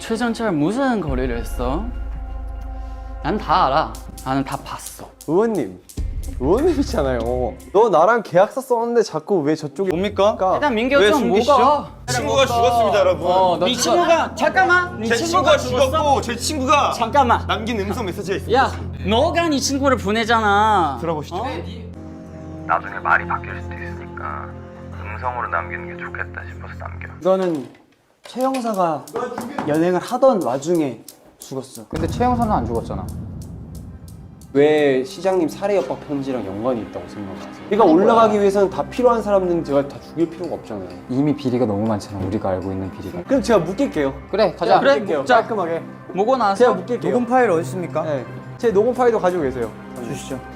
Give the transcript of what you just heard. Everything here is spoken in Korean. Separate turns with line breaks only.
최전철 무슨 거리를 했어? 난 다 알아. 나는 다 봤어.
의원님이잖아요. 너 나랑 계약서 썼는데 자꾸 왜 저쪽에
뭡니까?
일단 민규 좀 뭐가?
친구가 죽었습니다, 여러분.
네 친구가 잠깐만. 네
제 친구가 죽었고 제 친구가
잠깐만.
남긴 음성 메시지가 있습니다.
야, 너가 네 친구를 보내잖아.
들어보시죠.
나중에 말이 바뀔 수도 있으니까 음성으로 남기는 게 좋겠다 싶어서 남겨.
이거는 최 형사가 연행을 하던 와중에 죽었어.
근데 최 형사는 안 죽었잖아.
왜 시장님 살해 협박 편지랑 연관이 있다고 생각하세요? 제가 올라가기 위해서는 다 필요한 사람들은 제가 다 죽일 필요가 없잖아요.
이미 비리가 너무 많잖아. 우리가 알고 있는 비리가.
그럼 제가 묶일게요.
그래, 가자.
그래,
묶일게요.
묶자.
깔끔하게.
뭐고 나서
제가 묶일게요.
녹음 파일 어디 있습니까?
네. 제 녹음 파일도 가지고 계세요.
주시죠.